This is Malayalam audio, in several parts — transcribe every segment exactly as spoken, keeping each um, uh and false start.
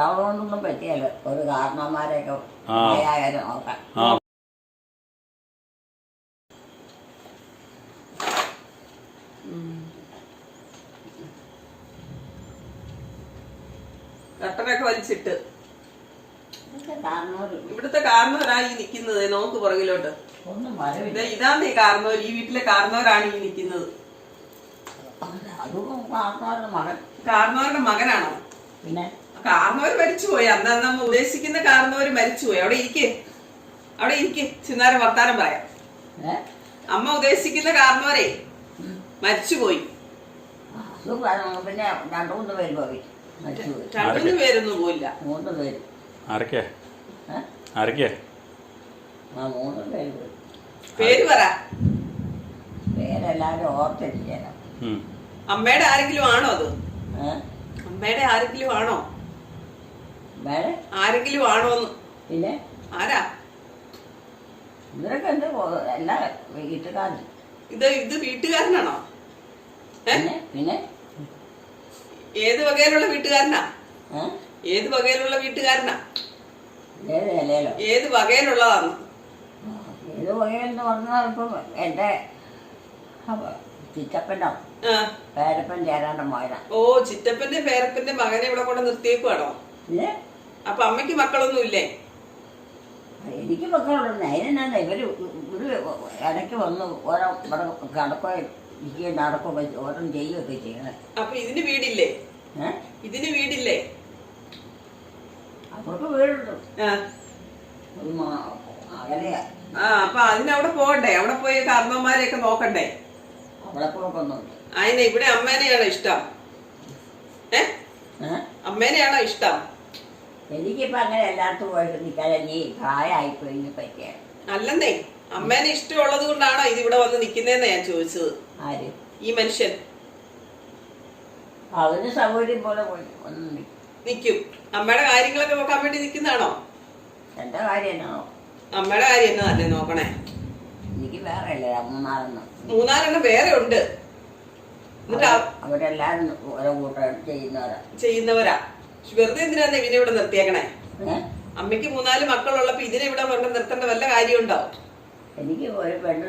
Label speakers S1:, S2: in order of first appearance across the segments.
S1: ഒരാളോണ്ടൊന്നും പറ്റിയല്ലോ ഒരു കാരണവന്മാരെയൊക്കെ ആയാലും നോക്കാം.
S2: കട്ടനൊക്കെ വലിച്ചിട്ട് ഇവിടുത്തെ കാരണവരാണ് ഈ നിക്കുന്നത്. നോക്ക് പുറകിലോട്ട്. ഇതാന്ന് ഈ കാരണവർ, ഈ വീട്ടിലെ കാരണവരാണ് ഈ നിക്കുന്നത്. കാരണവരുടെ മകനാണോ?
S1: പിന്നെ
S2: കാരണവർ മരിച്ചുപോയി. അന്ന് നമ്മൾ ഉദ്ദേശിക്കുന്ന കാരണവർ മരിച്ചുപോയി. അവിടെ ഇരിക്കേ, അവിടെ ഇരിക്കേ, ചിന്നാരം വർത്താനം പറയാം. അമ്മ ഉദ്ദേശിക്കുന്ന കാരണവരെ മരിച്ചുപോയി.
S1: പിന്നെ രണ്ടു മൂന്ന് പേര് പോയി.
S2: രണ്ടു പേരൊന്നും പോയില്ല.
S1: മൂന്ന് പേര്.
S3: ആരൊക്കെ ആരൊക്കെ
S1: ആ മൂന്ന് പേര് പോയി.
S2: പേര് പറ.
S1: പേരെല്ലാരും ഓർത്തിരിക്കണം.
S2: അമ്മയുടെ ആരെങ്കിലും ആണോ അത്? അമ്മയുടെ ആരെങ്കിലും ആണോ? ആരെങ്കിലും ആണോന്ന്?
S1: പിന്നെ
S2: ആരാ?
S1: ഇവരൊക്കെ എന്ത് എല്ലാ വീട്ടുകാരൻ.
S2: ഇത് ഇത് വീട്ടുകാരനാണോ?
S1: പിന്നെ
S2: ഏത് വകയിലുള്ള വീട്ടുകാരനാ? ഏത് വകയിലുള്ള വീട്ടുകാരനാ? ഏത് വകയിലുള്ളതാന്ന്?
S1: ഏത് വകയെന്ന് പറഞ്ഞാൽ ഇപ്പൊ എന്റെ ചിറ്റപ്പൻ്റെ പേരപ്പൻ ചേരാന്റെ മകനാ.
S2: ഓ, ചിറ്റപ്പന്റെ പേരപ്പന്റെ മകനെ ഇവിടെ കൊണ്ട് നിർത്തിയേക്കുവാണോ? അപ്പൊ അമ്മയ്ക്ക് മക്കളൊന്നും ഇല്ലേ?
S1: എനിക്ക് മക്കളുണ്ട്. അതിനെന്നാ ഇവര് ഒരു ഇടയ്ക്ക് വന്ന് ഓരോ ഇവിടെ കിടക്കുകയോ ഇരിക്കുകയും നടക്കുകയൊക്കെ ഓരോ ചെയ്യുകയൊക്കെ ചെയ്യണേ.
S2: അപ്പൊ ഇതിന് വീടില്ലേ? ഇതിന് വീടില്ലേ?
S1: അവർക്ക് വീടുണ്ട്. അകലെയാ.
S2: ആ, അപ്പൊ അതിനവിടെ പോകണ്ടേ? അവിടെ പോയി കാരണവന്മാരെയൊക്കെ നോക്കണ്ടേ?
S1: അവിടെ പോക്കൊന്നുമില്ല.
S2: അതിനെ ഇവിടെ അമ്മേനെയാണോ ഇഷ്ടം? ഏ അമ്മേനെയാണോ ഇഷ്ടം?
S1: എനിക്കിപ്പോ അങ്ങനെ എല്ലായിടത്തും പോയിട്ട് നിൽക്കാതെ നീ പ്രായമായിപ്പോയി പറ്റിയ.
S2: അല്ലെന്നേ, അമ്മേനെ ഇഷ്ടമുള്ളത് കൊണ്ടാണോ ഇതിവിടെ വന്ന് നിക്കുന്നതെന്നാ ഞാൻ ചോദിച്ചത്.
S1: ആര്?
S2: ഈ മനുഷ്യൻ.
S1: അവന് സൗകര്യം പോലെ പോയി ഒന്ന്
S2: നിക്കും. അമ്മയുടെ കാര്യങ്ങളൊക്കെ നോക്കാൻ വേണ്ടി നിക്കുന്നതാണോ?
S1: എന്റെ കാര്യം എന്നാണോ?
S2: അമ്മയുടെ കാര്യം എന്നതല്ലേ നോക്കണേ?
S1: എനിക്ക് വേറെ അല്ലേ മൂന്നാലെണ്ണം.
S2: മൂന്നാലെണ്ണം വേറെ ഉണ്ട്.
S1: അവരെല്ലാരും ഓരോ കൂട്ടം ചെയ്യുന്നവരാ
S2: ചെയ്യുന്നവരാ വെറുതെ എന്തിനാ ഇതിനെ ഇവിടെ നിർത്തിയേക്കണേ? അമ്മയ്ക്ക് മൂന്നാല് മക്കളുള്ളപ്പോ ഇതിനെ ഇവിടെ കൊണ്ട് നിർത്തേണ്ട വല്ല കാര്യമുണ്ടോ?
S1: എനിക്ക് ഒരു പെണ്ണ്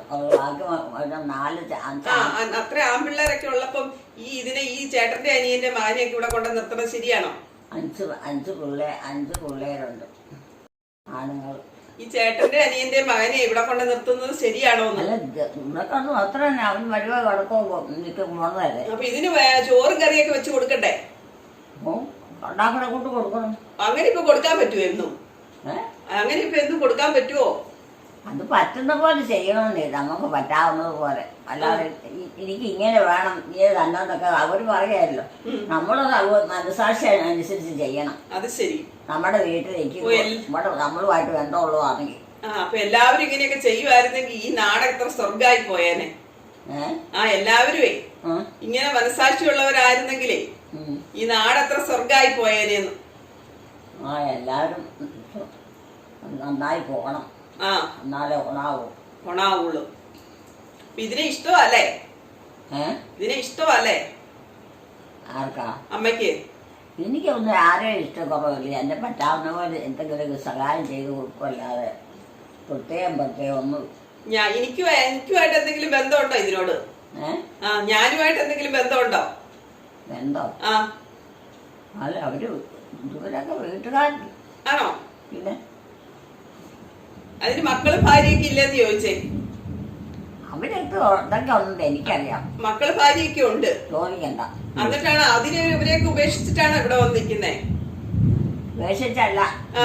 S1: നാല്
S2: അത്ര ആൺപിള്ളേരൊക്കെ ഉള്ളപ്പം ഈ ഇതിനെ ഈ ചേട്ടന്റെ അനിയന്റെ മാനെയൊക്കെ ഇവിടെ കൊണ്ട് നിർത്തണത് ശരിയാണോ?
S1: അഞ്ച് അഞ്ച് പിള്ളേ അഞ്ച് പിള്ളേരുണ്ട് ആണുങ്ങൾ.
S2: ഈ ചേട്ടന്റെ അനിയന്റെ മകനെ ഇവിടെ കൊണ്ട് നിർത്തുന്നത് ശരിയാണോ?
S1: അല്ല, ഇവിടെ കൊണ്ട് അത്ര തന്നെ അവൻ വരുവോ കിടക്കോ പോണതല്ലേ.
S2: അപ്പൊ ഇതിന് ചോറും കറിയൊക്കെ വെച്ച് കൊടുക്കണ്ടേ?
S1: ഉണ്ടാക്കണ കൊണ്ട് കൊടുക്കണം.
S2: അങ്ങനെ ഇപ്പൊ കൊടുക്കാൻ പറ്റുമോ എന്നും? അങ്ങനെ ഇപ്പൊ എന്നും കൊടുക്കാൻ പറ്റുമോ?
S1: അത് പറ്റുന്ന പോലെ ചെയ്യണമെന്നേ, നമുക്ക് പറ്റാവുന്നത് പോലെ. അല്ലാതെ എനിക്ക് ഇങ്ങനെ വേണം ഇങ്ങനെ തന്നോന്നൊക്കെ അവര് പറയാമല്ലോ. നമ്മള് മനസാക്ഷി അനുസരിച്ച് ചെയ്യണം.
S2: അത് ശരി.
S1: നമ്മുടെ വീട്ടിലേക്ക് നമ്മുടെ നമ്മളുമായിട്ട് ബന്ധമുള്ളതാണെങ്കിൽ.
S2: അപ്പൊ എല്ലാവരും ഇങ്ങനെയൊക്കെ ചെയ്യുമായിരുന്നെങ്കിൽ ഈ നാട് എത്ര സ്വർഗമായി പോയേനെ. ആ എല്ലാവരുമേ ഇങ്ങനെ മനസാക്ഷിയുള്ളവരായിരുന്നെങ്കിലേ ഈ നാട് എത്ര സ്വർഗമായി പോയേനെന്ന്.
S1: ആ എല്ലാവരും നന്നായി പോകണം.
S2: ആ,
S1: എന്നാലേ ഉണാവൂ
S2: ഉണാവുള്ളൂ. ഇതിനെ ഇഷ്ടമല്ലേ? ഇതിനെ ഇഷ്ടമല്ലേ?
S1: ആർക്കാ?
S2: അമ്മയ്ക്ക്.
S1: എനിക്കൊന്നും ആരെയും ഇഷ്ടക്കുറവില്ല. എന്നെ പറ്റാവുന്ന പോലെ എന്തെങ്കിലും സഹായം ചെയ്ത് കൊടുക്കുമല്ലാതെ പ്രത്യേകം പ്രത്യേകം ഒന്നും. ഞാൻ
S2: എനിക്ക് എനിക്കുമായിട്ട് എന്തെങ്കിലും ബന്ധമുണ്ടോ ഇതിനോട്? ആ, ഞാനുമായിട്ട് എന്തെങ്കിലും ബന്ധമുണ്ടോ?
S1: ബന്ധം?
S2: ആ,
S1: അല്ല, അവര് ഇവരൊക്കെ വീട്ടുകാർ
S2: ആണോ?
S1: പിന്നെ
S2: അതിന് മക്കളും ഭാര്യയൊക്കെ ഇല്ലെന്ന് ചോദിച്ചേ.
S1: അവരൊക്കെ ഇതൊക്കെ ഉണ്ട്, എനിക്കറിയാം.
S2: മക്കള് ഭാര്യയൊക്കെ ഉണ്ട്,
S1: ചോദിക്കണ്ട.
S2: എന്നിട്ടാണ് അതിനെ ഇവരെയൊക്കെ ഉപേക്ഷിച്ചിട്ടാണ് ഇവിടെ വന്ന് നിൽക്കുന്നേ?
S1: ഉപേക്ഷിച്ചല്ല,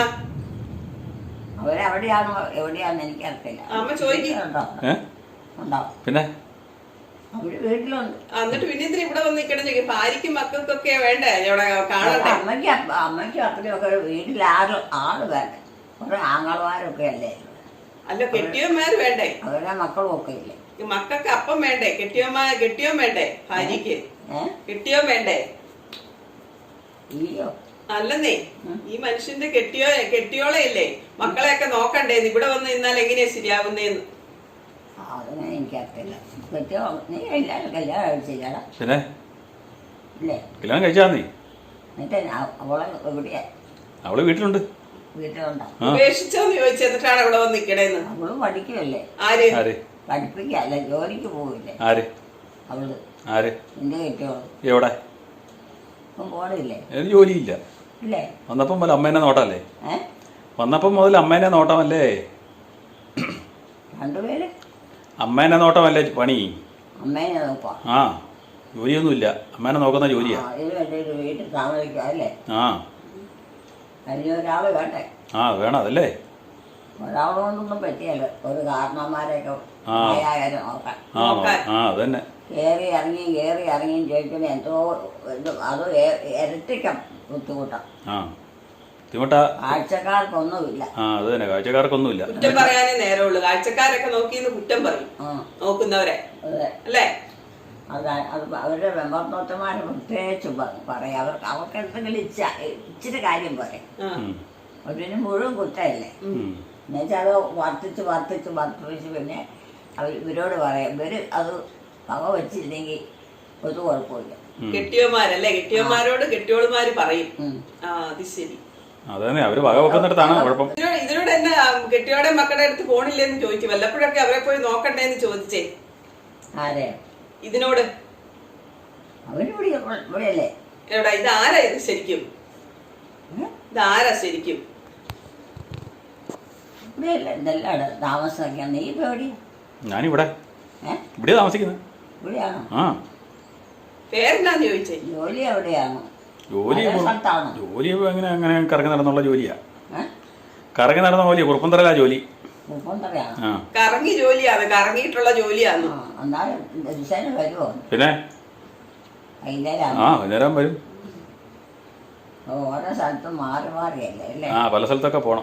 S1: അവരെവിടെയാണോ എവിടെയാന്ന് എനിക്കറിയില്ല.
S2: അമ്മ ചോദിക്കുന്നുണ്ടോ?
S3: പിന്നെ
S1: അവര് വീട്ടിലുണ്ട്.
S2: എന്നിട്ട് പിന്നെ ഇതിന് ഇവിടെ വന്ന് നിൽക്കണം ചോദിക്കും. ഭാര്യക്കും മക്കൾക്കൊക്കെ വേണ്ടേ ഇവിടെ കാണണ്ടേ?
S1: അമ്മയ്ക്ക് അമ്മയ്ക്കും അപ്പനൊക്കെ വീട്ടിൽ ആറ് ആള് വേണ്ടേ? കുറെ ആങ്ങളമാരൊക്കെ അല്ലേ?
S2: അല്ല, കെട്ടിയന്മാര് വേണ്ടേ?
S1: അവരുടെ മക്കളും ഒക്കെ ഇല്ലേ?
S2: മക്കൾക്ക് അപ്പം വേണ്ടേ? കെട്ടിയമ്മ കെട്ടിയോൻ വേണ്ടേ? ഭാര്യക്ക് കെട്ടിയോൻ വേണ്ടേ? അല്ലെന്നേ, ഈ മനുഷ്യന്റെ കെട്ടിയോ കെട്ടിയോളെ ഇല്ലേ മക്കളെയൊക്കെ നോക്കണ്ടേ? ഇവിടെ വന്ന് നിന്നാൽ എങ്ങനെയാ ശരിയാവുന്നേന്ന്?
S1: അതങ്ങനെ എനിക്കറിയില്ല. കെട്ടിയോ നീ എല്ലാവരും കല്യാണം കഴിച്ചില്ലടാ?
S3: പിന്നെ
S1: ഇല്ലേ?
S3: കല്യാണം കഴിച്ചാ നീ?
S1: എന്നിട്ട് അവളെ എവിടെയാ?
S3: അവള് വീട്ടിലുണ്ട്.
S1: വീട്ടിലുണ്ടോ?
S2: ഉപേക്ഷിച്ചോന്ന് ചോദിച്ചു എന്നിട്ടാണ് ഇവിടെ വന്ന് നിക്കണേന്ന്.
S1: അവള് പഠിക്കുമല്ലേ?
S2: ആര്?
S3: ആര്?
S1: പഠിപ്പിക്കല്ല, ജോലിക്ക് പോവില്ലേ
S3: ആര്?
S1: അവള്.
S3: ആര്?
S1: നിന്റെ കെട്ടിയോളൂ.
S3: എവിടെ?
S1: ഇപ്പം പോണില്ലേ?
S3: എനിക്ക് ജോലിയില്ല.
S1: ഇല്ലേ?
S3: വന്നപ്പം മുതൽ അമ്മേനെ നോട്ടമല്ലേ?
S1: ഏ
S3: വന്നപ്പം മുതൽ അമ്മേനെ നോട്ടമല്ലേ?
S1: രണ്ടുപേര്
S3: അമ്മേനെ നോട്ടമല്ലേ പണി?
S1: അമ്മേനെ നോക്കാം.
S3: ആ, ജോലിയൊന്നുമില്ല. അമ്മേനെ നോക്കുന്ന ജോലിയാ.
S1: അതിന് വേണ്ടി ഒരു വീട്ടിൽ താമസിക്കുക അല്ലേ?
S3: ആ,
S1: അതിന് ഒരാള് വേണ്ടേ?
S3: ആ വേണം. അതല്ലേ
S1: ഒരാളോണ്ടൊന്നും പറ്റിയല്ലോ. ഒരു കാരണന്മാരെയൊക്കെ ആയാലും നോക്കാൻ.
S3: ആ ആ അതന്നെ.
S1: കയറി ഇറങ്ങിയും കയറി ഇറങ്ങിയും ചോദിക്കുന്ന എന്തോ ഇത് അത് ഇരട്ടിക്കം ബുദ്ധിമുട്ടാണ്.
S3: ആ ബുദ്ധിമുട്ടാ.
S1: കാഴ്ചക്കാർക്കൊന്നുമില്ല.
S3: ആ അത് തന്നെ, കാഴ്ചക്കാർക്കൊന്നുമില്ല.
S2: കുറ്റം പറയാനേ നേരമുള്ളൂ. കാഴ്ചക്കാരൊക്കെ നോക്കിന്ന് കുറ്റം പറയും നോക്കുന്നവരെ അല്ലേ?
S1: അത് അത് അവരുടെ മെമ്പർത്തോട്ടന്മാരെ പ്രത്യേകിച്ച് പറയും. അവർക്ക് അവർക്ക് എന്തെങ്കിലും ഇച്ച ഇച്ചിരി കാര്യം പറയും. അതിന് മുഴുവൻ കുറ്റമല്ലേ? എന്നുവെച്ചാൽ അത് വർദ്ധിച്ച് വർദ്ധിച്ച് വർദ്ധിച്ച് പിന്നെ അവർ ഇവരോട് പറയാം. ഇവര് അത് വക വെച്ചില്ലെങ്കിൽ ഒരു കുഴപ്പമില്ല.
S2: കെട്ടിയോമാരല്ലേ? കെട്ടിയോമാരോട് കെട്ടിയോളുമാര് പറയും. ആ അത് ശരി.
S3: അതന്നെ, അവര് വക വെക്കുന്നിടത്താണ് കുഴപ്പം.
S2: ഇതിനോട് എന്നെ കെട്ടിയോടെ മക്കളുടെ അടുത്ത് പോണില്ലെന്ന് ചോദിക്കും. വല്ലപ്പോഴൊക്കെ അവരെ പോയി നോക്കണ്ടേന്ന് ചോദിച്ചേ.
S1: ആരെ?
S2: ഇതിനോട്.
S1: അവരിവിടെ ഇവിടെയല്ലേ?
S2: എവിടെ? ഇതാരാ ഇത് ശരിക്കും? ഇതാരാ ശരിക്കും?
S1: ഇവിടെയല്ലേ ഇതെല്ലാം താമസമൊക്കെ? നീ ഇപ്പൊ എവിടെയാ?
S3: ഞാനിവിടെ ഇവിടെ താമസിക്കുന്നത്.
S1: ഇവിടെയാണോ?
S3: ആ.
S2: പേരെന്താന്ന് ചോദിച്ചേ?
S1: ജോലി എവിടെയാണോ?
S3: ജോലി
S1: സ്ഥലത്താണോ?
S3: ജോലി അങ്ങനെ അങ്ങനെ കറങ്ങി നടന്നുള്ള ജോലിയാ. കറങ്ങി നടന്ന ജോലിയാ. കുറുപ്പന്തറയിലാ ജോലി.
S1: കുറുപ്പന്തറയാണോ?
S2: കറങ്ങി ജോലിയാണ്. കറങ്ങിയിട്ടുള്ള ജോലിയാണോ?
S1: എന്നാലും ദിവസേന വരുമോ?
S3: പിന്നെ
S1: വൈകുന്നേരം.
S3: ആ വൈകുന്നേരം വരും.
S1: ഓരോ സ്ഥലത്തും മാറി മാറിയല്ലേ അല്ലേ?
S3: ആ പല സ്ഥലത്തൊക്കെ പോണം.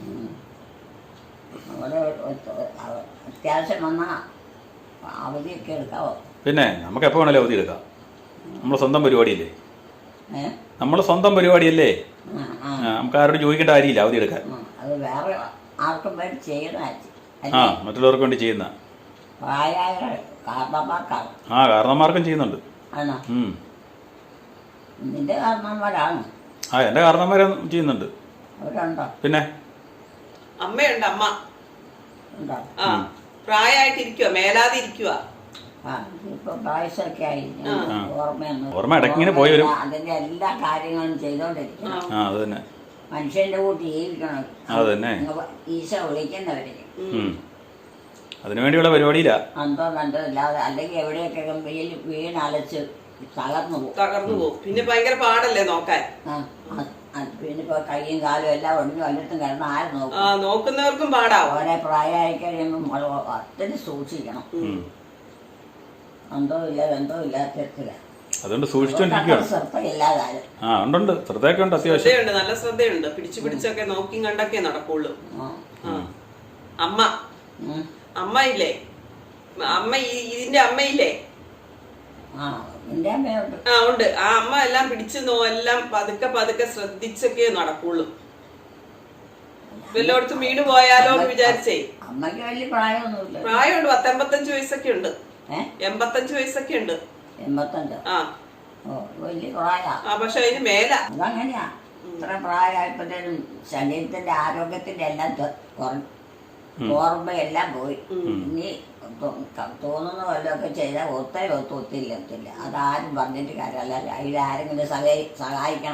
S1: അവിടെ അത്യാവശ്യം വന്നാൽ അവധിയൊക്കെ എടുക്കാവോ?
S3: പിന്നെ നമുക്ക് എപ്പോൾ വേണേലും അവധി എടുക്കാം. നമ്മളെ സ്വന്തം പരിപാടിയല്ലേ?
S1: ഏഹ്
S3: നമ്മളെ സ്വന്തം പരിപാടിയല്ലേ?
S1: ആ
S3: നമുക്ക് ആരോട് ചോദിക്കേണ്ട കാര്യമില്ല അവധി എടുക്കാൻ.
S1: അത് വേറെ ആർക്കും വേണ്ടി ചെയ്യുന്ന
S3: ആ മറ്റുള്ളവർക്ക് വേണ്ടി ചെയ്യുന്ന
S1: പ്രായമായ കാരണന്മാർക്കാണ്.
S3: ആ കാരണന്മാർക്കും ചെയ്യുന്നുണ്ട്.
S1: ആണോ? നിന്റെ കാരണന്മാരാണ്?
S3: ആ എൻ്റെ കാരണന്മാരും ചെയ്യുന്നുണ്ട്.
S1: അവരുണ്ടോ?
S3: പിന്നെ
S2: അമ്മയുണ്ട്. അമ്മ
S1: ഉണ്ടോ?
S2: ആ പ്രായമായിട്ടിരിക്കുക, മേലാതെ ഇരിക്കുക.
S1: ആ ഇപ്പൊ പ്രായസൊക്കെ ആയി. ഓർമ്മയൊന്നും
S3: ഓർമ്മ ഇടയ്ക്കിങ്ങനെ പോയി വരും.
S1: അതിന്റെ എല്ലാ കാര്യങ്ങളും ചെയ്തോണ്ടിരിക്കണം.
S3: ആ അത് തന്നെ.
S1: മനുഷ്യന്റെ കൂട്ടി ജീവിക്കണം.
S3: അത് തന്നെ.
S1: ഈശ വിളിക്കുന്നവര്
S3: അതിനുവേണ്ടിയുള്ള പരിപാടിയില്ല.
S1: അന്തോ കണ്ടോ ഇല്ലാതെ അല്ലെങ്കിൽ എവിടെയൊക്കെ വീൽ വീണലച്ച് തകർന്നു പോകും.
S2: തകർന്നു പോകും. പിന്നെ ഭയങ്കര പാടല്ലേ നോക്കാൻ.
S1: പിന്നെ ഇപ്പൊ കൈയും കാലും എല്ലാം ഒടിഞ്ഞു വല്ലത്തും കിടന്ന് ആര് നോക്കും?
S2: നോക്കുന്നവർക്കും പാടാവും.
S1: ഓരോ പ്രായമായി കഴിയുമ്പോൾ അത്രയും സൂക്ഷിക്കണം. എന്തോ ഇല്ല എന്തോ ഇല്ലാത്ത
S3: അതുകൊണ്ട് സൂക്ഷിച്ചോണ്ടിരിക്കുകയാണ്.
S1: ശ്രദ്ധയില്ലാതാലും.
S3: ആ ഉണ്ടുണ്ട്, ശ്രദ്ധയൊക്കെ ഉണ്ട്. അത്യാവശ്യം
S2: ശ്രദ്ധയുണ്ട്, നല്ല ശ്രദ്ധയുണ്ട്. പിടിച്ചു പിടിച്ചൊക്കെ നോക്കി കണ്ടൊക്കെ നടക്കുള്ളൂ. അമ്മ അമ്മ ഇല്ലേ? അമ്മ ഇതിന്റെ അമ്മയില്ലേ?
S1: ആ
S2: ഉണ്ട്. ആ അമ്മ എല്ലാം പിടിച്ചു നോ എല്ലാം പതുക്കെ പതുക്കെ ശ്രദ്ധിച്ചൊക്കെ നടക്കുള്ളൂ. വല്ലോടത്തും വീണ് പോയാലോ എന്ന് വിചാരിച്ചേ.
S1: അമ്മയ്ക്ക് വലിയ പ്രായമൊന്നുമില്ല.
S2: പ്രായമുണ്ട്. പത്തെൺപത്തഞ്ച് വയസ്സൊക്കെ ഉണ്ട്. എൺപത്തഞ്ച് വയസ്സൊക്കെ ഉണ്ട്.
S1: എൺപത്തഞ്ച്?
S2: ആ
S1: വലിയ പ്രായ.
S2: ആ പക്ഷെ അതിന് മേല.
S1: അതങ്ങനെയാ. ഇത്ര പ്രായമായപ്പോഴത്തേനും ശരീരത്തിന്റെ ആരോഗ്യത്തിന്റെ എല്ലാം കുറഞ്ഞു. ഓർമ്മയെല്ലാം പോയി. ഇനി തോന്നുന്ന വല്ലതൊക്കെ ചെയ്താൽ ഒത്തേ ഒത്തു ഒത്തില്ല ഒത്തില്ല. അതാരും പറഞ്ഞിട്ട് കാര്യമല്ല. അതിലാരെങ്കിലും സഹായി സഹായിക്കണം.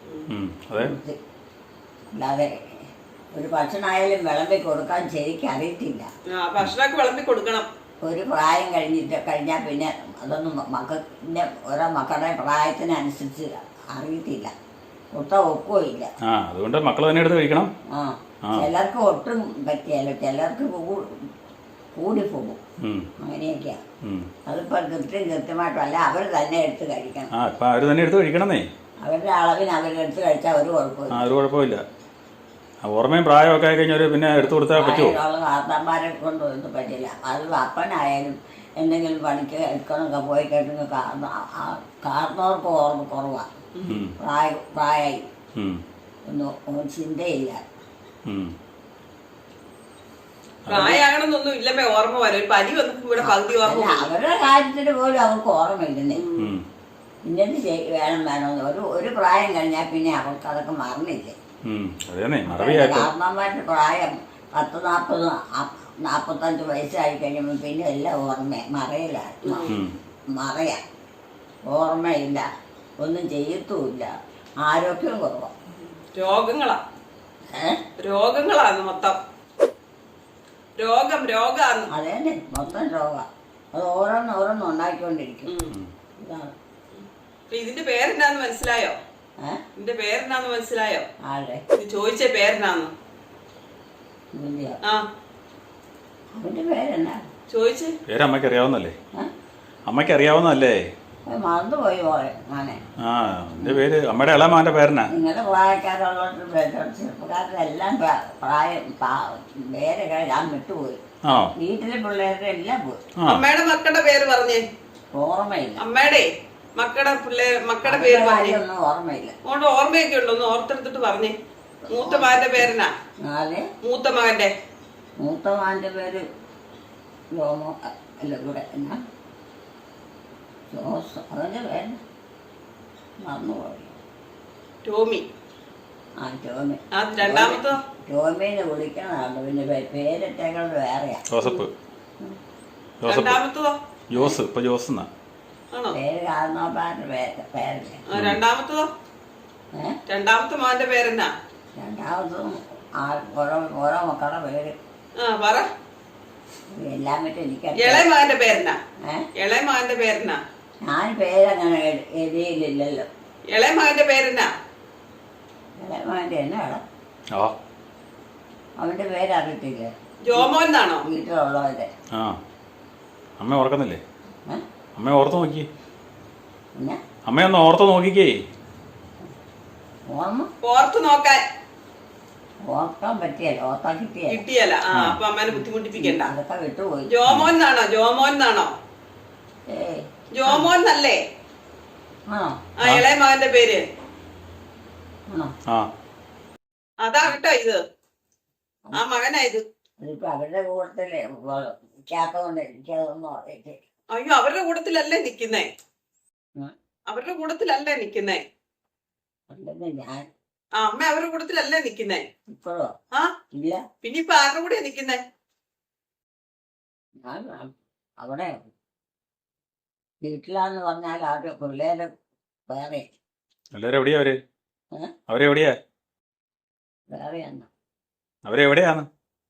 S1: അല്ലാതെ ഒരു ഭക്ഷണമായാലും വിളമ്പി കൊടുക്കാൻ ശരിക്കും അറിയത്തില്ല.
S2: ഭക്ഷണമൊക്കെ വിളമ്പി കൊടുക്കണം.
S1: ഒരു പ്രായം കഴിഞ്ഞിട്ട് കഴിഞ്ഞാൽ പിന്നെ അതൊന്നും മക്കളുടെ ഓരോ മക്കളുടെ പ്രായത്തിനനുസരിച്ച് അറിയത്തില്ല. ഒത്ത ഒക്കുകയില്ല.
S3: അതുകൊണ്ട് മക്കൾ തന്നെ എടുത്ത് കഴിക്കണം.
S1: ആ ചിലർക്ക് ഒട്ടും പറ്റിയല്ലോ, ചിലർക്ക് കൂടിപ്പോകും. അങ്ങനെയൊക്കെയാ. അതിപ്പോ കൃത്യം കൃത്യമായിട്ടല്ല, അവർ തന്നെ എടുത്ത് കഴിക്കണം.
S3: അവര് തന്നെ എടുത്ത് കഴിക്കണമെന്നേ.
S1: അവരുടെ അളവിന് അവരെടുത്ത് കഴിച്ചാൽ ഒരു കുഴപ്പമില്ല.
S3: ഒരു കുഴപ്പമില്ല. ഓർമ്മയും പ്രായമൊക്കെ ആയി കഴിഞ്ഞാൽ പിന്നെ എടുത്തു കൊടുത്താൽ പറ്റുമോ?
S1: കാർത്താന്മാരെ കൊണ്ട് ഒന്നും പറ്റില്ല. അത് അപ്പനായാലും എന്തെങ്കിലും പണിക്ക് എടുക്കണമൊക്കെ പോയി കേട്ടെങ്കിൽ കാർന്നവർക്ക് ഓർമ്മ കുറവാണ്. പ്രായ പ്രായമായി ഒന്നും ചിന്തയില്ല.
S2: പ്രായമാകണമെന്നൊന്നും ഇല്ലമ്മേ. ഓർമ്മ വരും. ഒരു പനി വന്നപ്പോ ഇവിടെ പകുതി ഓർമ്മ.
S1: അവരുടെ കാര്യത്തിന് പോലും അവർക്ക് ഓർമ്മയില്ലെന്നേ. ഇന്നത് ചെയ് വേണം വേണമെന്ന് ഒരു ഒരു പ്രായം കഴിഞ്ഞാൽ പിന്നെ അവർക്ക് അതൊക്കെ മറന്നില്ലേ.
S3: ഉം. അതേന്നെ മറവിയായിട്ട്.
S1: കാരണവന്മാരുടെ പ്രായം പത്ത് നാൽപ്പത് നാൽപ്പത്തഞ്ച് വയസ്സായി കഴിയുമ്പോൾ പിന്നെ എല്ലാം ഓർമ്മ മറയിലാണ്.
S3: ഉം.
S1: മറയാ, ഓർമ്മയില്ല, ഒന്നും ചെയ്യത്തുമില്ല, ആരോഗ്യം കുറവാണ്.
S2: രോഗങ്ങളാ
S1: ഏഹ്
S2: രോഗങ്ങളാണ് മൊത്തം. രോഗം രോഗാന്ന്.
S1: അതേന്നെ മൊത്തം രോഗം. അത് ഓരോന്ന് ഓരോന്ന് ഉണ്ടാക്കിക്കൊണ്ടിരിക്കും.
S2: ഉം.
S1: ഇതാണ്.
S2: അപ്പൊ ഇതിന്റെ പേരെന്നാന്ന് മനസ്സിലായോ?
S1: ഏഹ്
S2: ഇതിന്റെ പേരെന്നാന്ന് മനസ്സിലായോ?
S1: ആരുടെ
S2: ഇത് ചോദിച്ച പേരെന്നാന്ന്?
S1: ഇതിൻ്റെയോ?
S2: ആ
S1: അവൻ്റെ പേരെന്നാ?
S2: ചോദിച്ച്.
S3: പേര് അമ്മയ്ക്ക് അറിയാവുന്നല്ലേ?
S1: ഏഹ്
S3: അമ്മയ്ക്ക് അറിയാവുന്നതല്ലേ?
S1: അത് മറന്നുപോയി പോയെ മോനെ.
S3: ആ എൻ്റെ പേര് അമ്മയുടെ ഇളമാൻ്റെ പേരനാ.
S1: നിങ്ങളുടെ പ്രായക്കാരുള്ളവരുടെ ചെറുപ്പക്കാരെല്ലാം പ്രാ- പ്രായം പാ- പേരൊക്കെ ഞാൻ വിട്ടുപോയി.
S3: ആ
S1: വീട്ടിലെ പിള്ളേരുടെ എല്ലാം പോയി.
S3: ആ
S2: അമ്മയുടെ മക്കളുടെ പേര് പറഞ്ഞേ.
S1: ഓർമ്മയില്ല.
S2: അമ്മയുടെ മക്കളുടെ പിള്ളേർ മക്കളുടെ പേര്
S1: അവരുടെ
S2: പറഞ്ഞേ.
S1: കാര്യമൊന്നും ഓർമ്മയില്ല.
S2: അതുകൊണ്ട് ഓർമ്മയൊക്കെ ഉണ്ടോ? ഒന്ന് ഓർത്തെടുത്തിട്ട് പറഞ്ഞേ. മൂത്ത മകന്റെ പേരെന്നാ?
S1: നാല്
S2: മൂത്ത മകന്റെ
S1: മൂത്ത മാൻ്റെ പേര് ജോമോ അല്ല ഇവിടെ എന്നാ ജോസ്. അവൻ്റെ പേര് മറന്നുപോയി.
S2: ടോമി.
S1: ആ ടോമി.
S2: ആ രണ്ടാമത്തോ?
S1: ടോമീനെ വിളിക്കണതാണ്. പിന്നെ പേ- പേരിട്ടേക്കുന്നത് വേറെയാ.
S3: ജോസഫ്. ജോസഫ്
S2: രണ്ടാമത്തതോ?
S3: ജോസ് ഇപ്പൊ ജോസ് എന്നാ.
S2: ആണോ?
S1: പേര് കാരണവന്മാരുടെ പേര് പേരല്ലേ.
S2: ആ രണ്ടാമത്തതോ?
S1: ഏഹ്
S2: രണ്ടാമത്തെ മകന്റെ പേരെന്നാ?
S1: രണ്ടാമതും ആ ഓരോ ഓരോ മക്കളുടെ പേര്
S2: ആ പറ.
S1: എല്ലാം പറ്റും എനിക്കറിയാം.
S2: ഇളയ മകന്റെ പേരെന്നാ?
S1: ഏഹ്
S2: ഇളയ മകന്റെ പേരെന്നാ?
S1: ഞാൻ പേരങ്ങനെ എഴു- എഴുതിയില്ലല്ലോ.
S2: ഇളയ മകന്റെ പേരെന്നാ?
S1: ഇളയമാൻ്റെ എന്നാണ്
S3: ആ
S1: അവൻ്റെ പേരറിയത്തില്ലേ
S2: ജോമോൻ എന്നാണോ?
S1: വീട്ടിലുള്ളവരുടെ.
S3: ആ അമ്മ ഓർക്കുന്നില്ലേ?
S1: ഏഹ്
S3: അമ്മ ഓർത്ത് നോക്കി.
S1: പിന്നെ
S3: അമ്മയൊന്ന് ഓർത്ത് നോക്കിക്കേ.
S1: ഓർമ്മ
S2: ഓർത്ത് നോക്കാൻ
S1: ഓർക്കാൻ പറ്റിയല്ല, ഓർക്കാൻ കിട്ടിയല്ല.
S2: കിട്ടിയല്ല. ആ അപ്പൊ അമ്മേനെ ബുദ്ധിമുട്ടിപ്പിക്കണ്ട.
S1: അതൊക്കെ വിട്ടുപോയി.
S2: ജോമോൻ എന്നാണോ? ജോമോൻ എന്നാണോ?
S1: ഏയ്
S2: ജോമോൻ എന്നല്ലേ
S1: ആണോ?
S2: ആ ഇളയ മകന്റെ പേര്?
S1: ആണോ?
S3: ആ
S2: അതാ കേട്ടോ ഇത്. ആ മകനാ ഇത്.
S1: അതിപ്പോ അവരുടെ കൂട്ടത്തില് വിളിക്കാത്തതുകൊണ്ട് എനിക്കതൊന്നും അറിയില്ല.
S2: അയ്യോ അവരുടെ കൂട്ടത്തിലല്ലേ നിക്കുന്നേ.
S1: ഉം.
S2: അവരുടെ കൂട്ടത്തിലല്ലേ നിക്കുന്നേ.
S1: അല്ലെന്ന് ഞാൻ
S2: ആ അമ്മ അവരുടെ കൂട്ടത്തിലല്ലേ നിക്കുന്നേ.
S1: ഇപ്പോഴോ
S2: ആ
S1: ഇല്ല.
S2: പിന്നെ ഇപ്പൊ ആരുടെ കൂടെയാ നിക്കുന്നേ?
S1: ഞാൻ അവിടെ വീട്ടിലാന്ന് പറഞ്ഞാൽ അവരുടെ പിള്ളേര് വേറെ
S3: എല്ലാവരും എവിടെയാ അവര്?
S1: ഏ?
S3: അവരെവിടെയാ?
S1: വേറെയാണ്.
S3: അവരെവിടെയാന്ന്?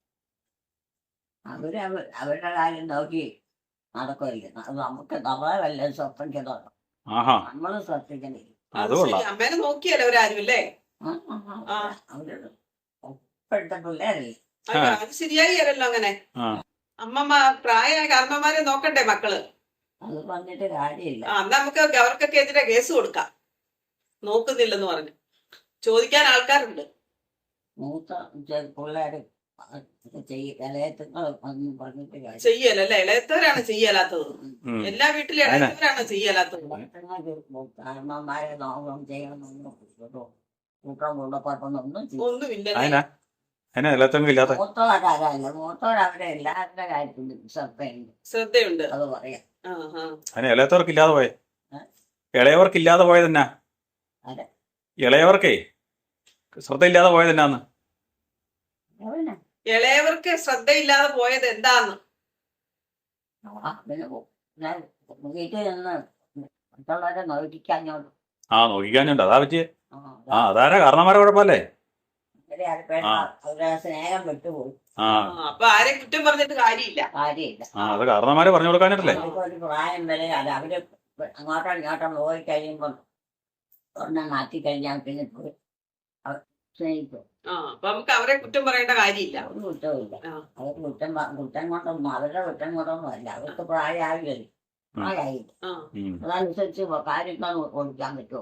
S1: അവര് അവ- അവരുടെ കാര്യം നോക്കി നടക്കുമല്ലേ. അത് നമുക്ക് നമ്മളെ വല്ല ശ്രദ്ധിക്കുന്നുണ്ടോ?
S3: ആഹാ
S1: നമ്മള് ശ്രദ്ധിക്കണേ.
S3: അത്
S2: അത് ശരി.
S3: കൊള്ളാം.
S2: അമ്മേനെ നോക്കിയല്ലോ അവരാരും അല്ലേ.
S1: ആ, ആ, ആ. അവര് ഇപ്പോഴത്തെ പിള്ളേരല്ലേ.
S2: അയ്യോ അത് ശരിയായി അല്ലല്ലോ അങ്ങനെ.
S3: ആ
S2: അമ്മമ്മ പ്രായമായ കാരണന്മാരെ നോക്കണ്ടേ മക്കള്.
S1: അത് പറഞ്ഞിട്ട് കാര്യമില്ല.
S2: ആ എന്നാ നമുക്ക് അവർക്കൊക്കെ എതിരെ കേസ് കൊടുക്കാം. നോക്കുന്നില്ലെന്ന് പറഞ്ഞു ചോദിക്കാൻ ആൾക്കാരുണ്ട്.
S1: മൂത്ത ചെ- പിള്ളേര് ചെയ്യും ഇളയത്തുങ്ങൾ ഒന്നും പറഞ്ഞിട്ട് കാര്യം.
S2: ചെയ്യലല്ലേ? ഇളയത്തവരാണ് ചെയ്യലാത്തത്.
S3: ഉം.
S2: എല്ലാ വീട്ടിലും ഇളയത്തവരാണ് ചെയ്യലാത്തത്.
S1: കാരണന്മാരെ നോക്കണം ചെയ്യണമെന്നൊന്നും കൂട്ടം കൊണ്ടപ്പോട്ടൊന്നും ചെയ്യും.
S2: ഒന്നുമില്ല.
S3: അതിനാ അതിനാ എല്ലാത്തെങ്കിലും ഇല്ലാത്ത.
S1: മൂത്തവരല്ല മൂത്തവരവരെ എല്ലാവരുടെ കാര്യത്തിലും ശ്രദ്ധയുണ്ട്.
S2: ശ്രദ്ധയുണ്ട്.
S1: അത് പറയാം.
S2: ആ ആ
S3: അതിന് ഇളയത്തവർക്ക് ഇല്ലാതെ പോയെ.
S1: ഏ?
S3: ഇളയവർക്ക് ഇല്ലാതെ പോയതെന്നാ?
S1: അതെ.
S3: ഇളയവർക്കേ ശ്രദ്ധയില്ലാതെ പോയതെന്നാന്ന്?
S1: അവനെ
S2: ഇളയവർക്ക് ശ്രദ്ധയില്ലാതെ പോയത് എന്താന്ന്?
S1: ആ, പിന്നെ ഞാൻ വീട്ടിൽ നിന്ന് മറ്റുള്ളവരെ നോക്കിക്കാഞ്ഞോണ്ട്
S3: ആ നോക്കിക്കാനുണ്ട് അതാ പറ്റിയേ.
S1: ആ,
S3: ആ അതാരാ കാരണന്മാരെ കുഴപ്പമല്ലേ?
S1: അവരെ അടുപ്പേട്ട അവരുടെ സ്നേഹം വിട്ടുപോയി.
S3: ആ
S2: ആ, അപ്പൊ ആരെയും കുറ്റം പറഞ്ഞിട്ട് കാര്യമില്ല.
S1: കാര്യമില്ല.
S3: ആ അത് കാരണന്മാരെ പറഞ്ഞു കൊടുക്കാനല്ലേ.
S1: അവർക്ക് ഒരു പ്രായം വരെ അത് അവര് അങ്ങോട്ടോ ഇങ്ങോട്ടോ പോയി കഴിയുമ്പോൾ ഒരെണ്ണം മാറ്റി കഴിഞ്ഞാൽ പിന്നെ പോയി അവർ സ്നേഹിക്കും.
S2: ആ അപ്പൊ നമുക്ക് അവരെ കുറ്റം പറയേണ്ട കാര്യമില്ല.
S1: ഒരു കുറ്റമില്ല.
S2: ആ.
S1: അവർക്ക് കുറ്റം പ- കുറ്റം കൊണ്ടൊന്നും അവരുടെ കുറ്റം കൊണ്ടൊന്നും അല്ല. അവർക്ക് പ്രായമായില്ലേ. പ്രായമായില്ല.
S2: ആ
S3: ഉം.
S1: അതനുസരിച്ച് കാര്യങ്ങൾ ഓടിക്കാൻ പറ്റുമോ?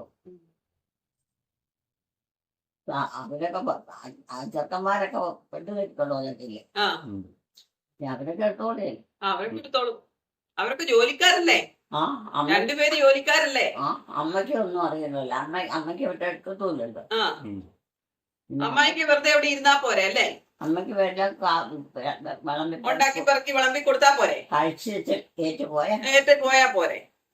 S1: ആ, അവരൊക്കെ പ- ആ- ആ ചെറുക്കന്മാരൊക്കെ പെട്ടു കെട്ടിക്കൊണ്ടു വന്നിട്ടില്ലേ.
S2: ആ
S1: അവരൊക്കെ എടുത്തോളേ.
S2: ആ, അവർക്ക് എടുത്തോളും. അവർക്ക് ജോലിക്കാരല്ലേ?
S1: ആ അമ്മ
S2: രണ്ടുപേര് ജോലിക്കാരല്ലേ?
S1: ആ അമ്മയ്ക്ക് ഒന്നും അറിയില്ലല്ലോ. അമ്മ അമ്മയ്ക്ക് വിട്ട് എടുക്കത്തുമില്ലല്ലോ.
S2: ആ
S3: ഉം.
S2: അമ്മായിക്ക് വെറുതെ അവിടെ ഇരുന്നാ പോരെ അല്ലേ?
S1: അമ്മയ്ക്ക് വേണ്ട വിളമ്പി
S2: ഉണ്ടാക്കി പെറുക്കി വിളമ്പി കൊടുത്താ പോരെ?
S1: കഴിച്ച് വെച്ച് കയറ്റി പോയാൽ
S2: നേരത്തെ പോയാ പോരെ?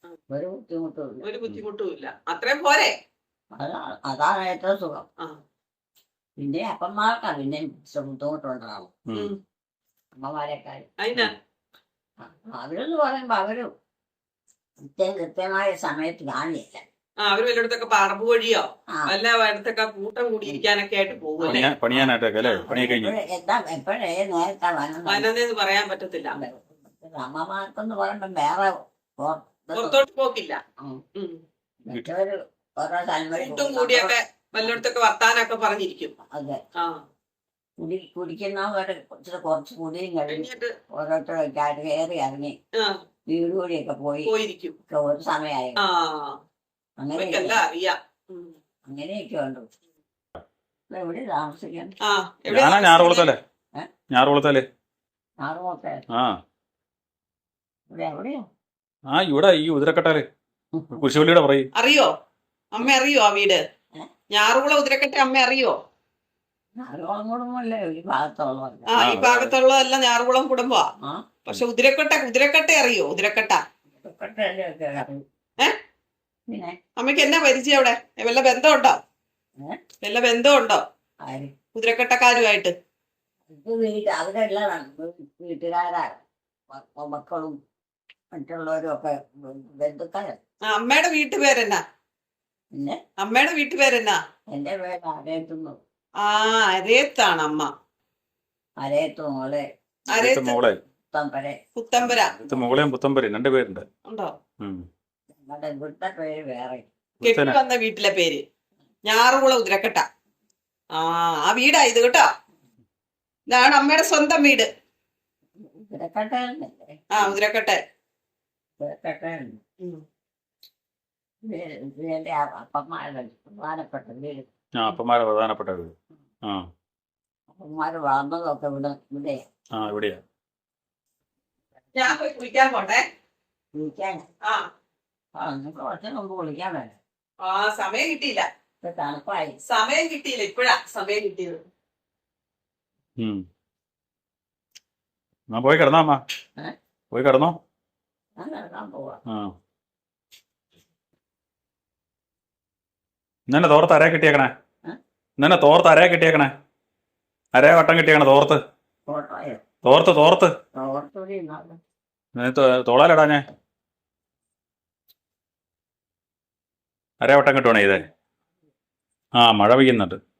S1: ഒരു ബുദ്ധിമുട്ടുമില്ല.
S2: ഒരു ബുദ്ധിമുട്ടും ഇല്ല. അത്രയും പോരെ.
S1: അതാണ് അതാണ് ഏറ്റവും സുഖം.
S2: ആ.
S1: പിന്നെ അപ്പന്മാർക്കാ പിന്നെ ബുദ്ധിമുട്ടുണ്ടാവും.
S2: ഉം.
S1: അമ്മമാരെക്കാൾ
S2: അതിനാ
S1: അവരെന്ന് പറയുമ്പോ അവര് കൃത്യം കൃത്യമായ സമയത്ത് കാണില്ല.
S2: ആ അവര് വല്ലയിടത്തൊക്കെ പറമ്പ് വഴിയോ
S1: ആ.
S2: വല്ല ഇടത്തൊക്കെ കൂട്ടം കൂടി ഇരിക്കാനൊക്കെ ആയിട്ട് പോകുമല്ലേ.
S3: പണിയാ പണിയാനായിട്ടൊക്കെ അല്ലേ? പണിയൊക്കെ കഴിഞ്ഞു.
S1: എപ്പോഴേ- എന്താ എപ്പോഴേ നേരത്തെ വനം
S2: വനന്നെന്ന് പറയാൻ പറ്റത്തില്ല.
S1: അമ്മമാർക്കെന്ന് പറയുമ്പോ വേറെ ഓ-
S2: പുറത്തോട്ട് പോക്കില്ല.
S1: ഉം.
S2: ഉം.
S1: മറ്റവര് ഓരോ സ്ഥലം വഴി
S2: കൂട്ടും
S1: പോകും.
S2: കൂടിയൊക്കെ വല്ലയിടത്തൊക്കെ വർത്താനൊക്കെ പറഞ്ഞിരിക്കും.
S1: അതെ,
S2: ആ
S1: കുടി കുടിക്കുന്നവര് ഇച്ചിരി കുറച്ച് കുടിയും കഴിഞ്ഞ്
S2: കഴിഞ്ഞിട്ട്
S1: ഓരോരുത്തരൊക്കെ ആയിട്ട് കയറി ഇറങ്ങി
S2: ആ
S1: വീട് കൂടിയൊക്കെ പോയി
S2: പോയിരിക്കും.
S1: ഒക്കെ ഒരു സമയമായി.
S2: ആ
S1: അങ്ങനെ
S2: അവർക്കെല്ലാം അറിയാം. ഉം.
S1: അങ്ങനെയൊക്കെ ഉണ്ട്. ഇപ്പൊ എവിടെ താമസിക്കാൻ?
S2: ആ എവിടെയാ
S3: ഞാനാ ഞാറുകുളത്തല്ലേ?
S1: ഏ?
S3: ഞാറുകുളത്തല്ലേ?
S1: ആറുമൊക്കെ
S3: ആ
S1: ഇവിടെ എവിടെയോ
S3: ആ ഇവിടെ ഈ ഉതിരക്കട്ടാല് കുരിശുപള്ളിയുടെ പറയും.
S2: അറിയോ? അമ്മ അറിയോ ആ വീട്?
S1: ഏ?
S2: ഞാറുകുളം ഉതിരക്കട്ടെ അമ്മ അറിയോ?
S1: ആറുകുളം കുടുംബമല്ലേ ഈ ഭാഗത്തുള്ളവല്ല.
S2: ആ ഈ ഭാഗത്തുള്ളതെല്ലാം ഞാറുകുളം കുടുംബമാ.
S1: ആ
S2: പക്ഷെ ഉതിരക്കട്ട ഉതിരക്കട്ട അറിയോ? ഉതിരക്കട്ട
S1: ഇതൊക്കെ അറിയും.
S2: ഏ?
S1: പിന്നെ
S2: അമ്മയ്ക്ക് എന്നാ പരിചയം അവിടെ? വല്ല ബന്ധമുണ്ടോ?
S1: ഏ?
S2: വല്ല ബന്ധമുണ്ടോ
S1: ആര്
S2: കുതിരക്കട്ടക്കാരുമായിട്ട്?
S1: ഇത് വീട്ട് അവരെല്ലാം വീട്ടുകാരാ മ- മക്കളും മറ്റുള്ളവരും ഒക്കെ ബന്ധുക്കാരാണ്.
S2: ആ അമ്മയുടെ വീട്ടുപേരെന്നാ?
S1: പിന്നെ
S2: അമ്മയുടെ വീട്ടുപേരെന്നാ?
S1: എന്റെ പേര് അരയത്തുന്നു.
S2: ആ അരയത്താണ് അമ്മ.
S1: അരയത്തു മോളെ
S2: അരയത്ത്
S3: മോളെ
S1: തമ്പരെ.
S2: പുത്തമ്പര
S3: ഇത് മോളെയും പുത്തമ്പരയും രണ്ട് പേരുണ്ട്.
S2: ഉണ്ടോ?
S3: ഉം.
S1: ഞങ്ങളുടെ ഇവിടുത്തെ പേര് വേറെ.
S2: കെട്ടി വന്ന വീട്ടിലെ പേര് ഞാറുകുളം ഉതിരക്കട്ട. ആ ആ വീടാ ഇത് കേട്ടോ. ഇതാണ് അമ്മയുടെ സ്വന്തം വീട്.
S1: ഇരക്കട്ടല്ലേ?
S2: ആ ഉതിരക്കട്ട.
S1: ഇരക്കട്ടയുണ്ട്. എന്റെ അപ്പന്മാരുടെ പ്രധാനപ്പെട്ട വീട്.
S3: ആ അപ്പന്മാരെ പ്രധാനപ്പെട്ട വീട്. ആ
S1: അപ്പന്മാര് വളർന്നതൊക്കെ ഇവിടെ ഇവിടെ
S3: ആ ഇവിടെയാ.
S2: ഞാൻ പോയി കുളിക്കാൻ പോട്ടെ.
S1: വിളിക്കാൻ.
S2: ആ
S1: ആ നിങ്ങൾക്ക് കുറച്ച് മുമ്പ് വിളിക്കാൻ വേണം.
S2: ആ സമയം കിട്ടിയില്ല.
S1: ഇപ്പൊ തണുപ്പായി.
S2: സമയം കിട്ടിയില്ല. ഇപ്പഴാ സമയം കിട്ടിയത്.
S3: ഉം. എന്നാ പോയി കിടന്നോ അമ്മ?
S1: ഏ?
S3: പോയി കിടന്നോ?
S1: ഞാൻ കിടക്കാൻ പോവാ.
S3: ആ ഇന്നെ തോർത്ത് അരയെ കിട്ടിയേക്കണേ.
S1: ഏ?
S3: ഇന്നെ തോർത്ത് അരയെ കിട്ടിയേക്കണേ. അരയെ വട്ടം കിട്ടിയേക്കണേ. തോർത്ത്
S1: ഫോട്ടോയോ?
S3: തോർത്ത് തോർത്ത്
S1: ഓർത്തൂടി ഇരുന്നാലോ?
S3: തോളാലിടാ ഞാൻ അരയെ വട്ടം കിട്ടുവാണേ ഇതേ. ആ മഴ പെയ്യുന്നുണ്ട്.